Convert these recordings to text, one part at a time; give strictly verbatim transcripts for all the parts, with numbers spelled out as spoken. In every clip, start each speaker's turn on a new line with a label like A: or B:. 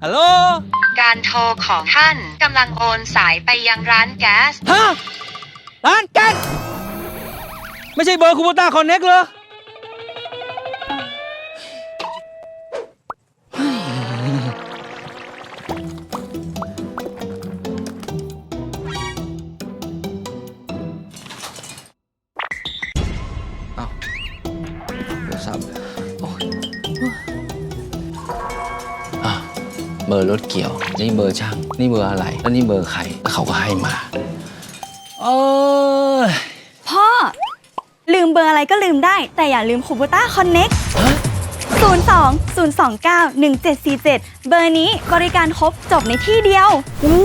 A: ฮัลโหล
B: การโทรของท่านกำลังโอนสายไปยังร้านแก๊ส
A: ฮะร้านแก๊สไม่ใช่เบอร์คูโบต้าคอนเน็กเหรอเอาโทรศัพท์โอ้ยอ่ะเบอร์รถเกี่ยวนี่เบอร์ช่างนี่เบอร์อะไรแล้วนี่เบอร์ใครแล้วเขาก็ให้มาเออ
C: พ่อลืมเบอร์อะไรก็ลืมได้แต่อย่าลืมคูโบต้าคอนเน็กศูนย์ สอง ศูนย์ สอง เก้า หนึ่ง เจ็ด สี่ เจ็ดเบอร์นี้บริการครบจบในที่เดียว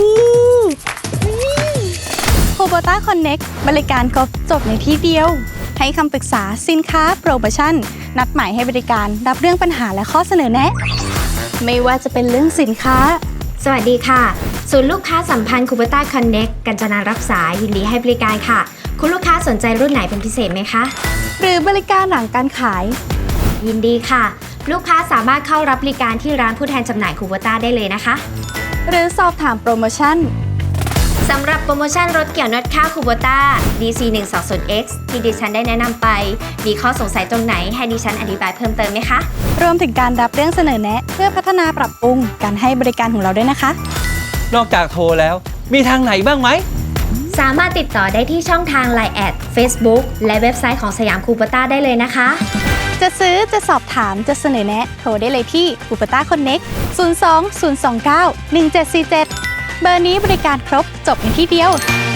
C: คูโบต้าคอนเน็กบริการครบจบในที่เดียวให้คำปรึกษาสินค้าโปรโมชั่นนัดหมายให้บริการรับเรื่องปัญหาและข้อเสนอแนะไม่ว่าจะเป็นเรื่องสินค้า
D: สวัสดีค่ะศูนย์ลูกค้าสัมพันธ์คูโบต้าคอนเน็กกัญจนารับสายยินดีให้บริการค่ะคุณลูกค้าสนใจรุ่นไหนเป็นพิเศษไหมคะ
C: หรือบริการหลังการขาย
D: ยินดีค่ะลูกค้าสามารถเข้ารับบริการที่ร้านผู้แทนจำหน่ายคูโบต้าได้เลยนะคะ
C: หรือสอบถามโปรโมชั่น
D: สำหรับโปรโมชั่นรถเกี่ยวน็อตค่าคูโบต้า ดี ซี หนึ่ง สอง ศูนย์ เอ็กซ์ ที่ดิฉันได้แนะนำไปมีข้อสงสัยตรงไหนให้ดิฉันอธิบายเพิ่มเติมไหมคะ
C: รวมถึงการรับเรื่องเสนอแนะเพื่อพัฒนาปรับปรุงการให้บริการของเราด้วยนะคะ
A: นอกจากโทรแล้วมีทางไหนบ้างไหม
D: สามารถติดต่อได้ที่ช่องทาง ไลน์ แอด Facebook และเว็บไซต์ของสยามคูโบต้าได้เลยนะคะ
C: จะซื้อจะสอบถามจะเสนอแนะโทรได้เลยที่คูโบต้าคอนเน็กศูนย์ สอง ศูนย์ สอง เก้า หนึ่ง เจ็ด สี่ เจ็ดเบอร์นี้บริการครบจบในที่เดียว